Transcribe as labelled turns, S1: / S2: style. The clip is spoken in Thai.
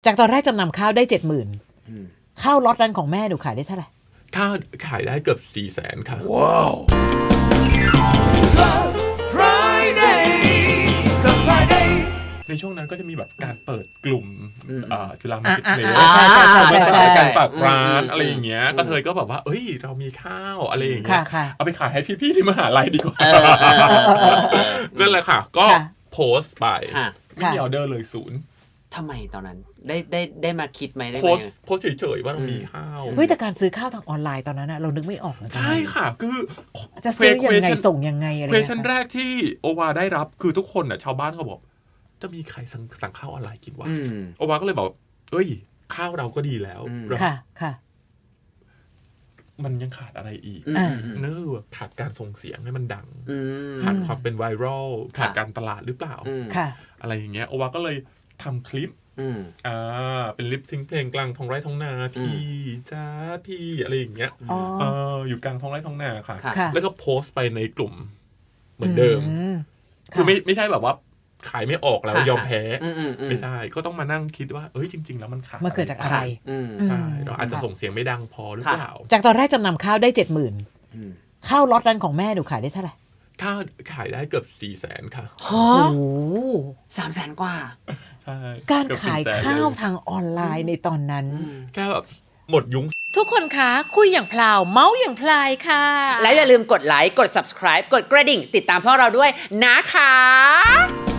S1: จากตอนแรกจำนำข้าวได้70,000ข้าวล็อตนั้นของแม่หนูขายได้เท่าไหร่
S2: ข้าวขายได้เกือบ400,000ค่ะ
S3: ว้าว
S2: ในช่วงนั้นก็จะมีแบบการเปิดกลุ่มจุฬามาร์เก็ตเพลสการฝากร้านอะไรอย่างเงี้ยก็เธอก็แบบว่าเอ้ยเรามีข้าวอะไรอย่างเงี้ยเอาไปขายให้พี่ๆที่มหาลัยดีกว่านั่นแหละค่ะก็โพสต์ไปไม่มีออเดอร์เลย0ทำไม
S4: ตอนนั้นได้มาคิดไหมได้ไหม
S2: โพสเฉยๆว่าเรามีข้าว
S1: เฮ้ยแต่การซื้อข้าวทางออนไลน์ตอนนั้นนะเรานึกไม่ออก
S2: ใช่ค่ะคือ
S1: จะซื้อยังไงส่งยังไงอะไร
S2: เควสชั่นแรกที่โอวาได้รับคือทุกคนน่ะชาวบ้านเขาบอกจะมีใครสั่งข้าวออนไลน์กินวะโอวาก็เลยบอกเอ้ยข้าวเราก็ดีแล้ว
S1: ค่ะ
S2: มันยังขาดอะไรอีกนั่นคือขาดการส่งเสียงให้มันดังขาดความเป็นไวรัลขาดการตลาดหรือเปล่าอะไรอย่างเงี้ยโอวาก็เลยทำคลิปเป็นลิปซิงค์เพลงกลางท้องไร่ท้องนาพี่จ้าพี่อะไรอย่างเงี้ยอยู่กลางท้องไร่ท้องนาค่ะแล้วก็โพสต์ไปในกลุ่มเหมือนเดิมคือไม่ใช่แบบว่าขายไม่ออกแล้วยอมแพ้ไม่ใช่ก็ต้องมานั่งคิดว่าเอ้ยจริงๆแล้วมันขาด
S1: มันเกิดจากอะไร
S2: ใช่เราอาจจะส่งเสียงไม่ดังพอหรือเปล่า
S1: จากตอนแรกจำนำข้าวได้70,000ข้าวล็อตนั้นของแม่หนูขายได้เท่าไหร่
S2: ข้าวขายได้เกือบ400,000ค่ะ
S4: โอ้300,000 กว่า
S1: การขายข้าวทางออนไลน์ในตอนนั้น
S2: แค่แบบหมดยุ้ง
S1: ทุกคนคะคุยอย่างพลาวเมาส์อย่างพลายค่ะ
S4: และอย่าลืมกดไลค์กด subscribe กดกระดิ่งติดตามพวกเราด้วยนะคะ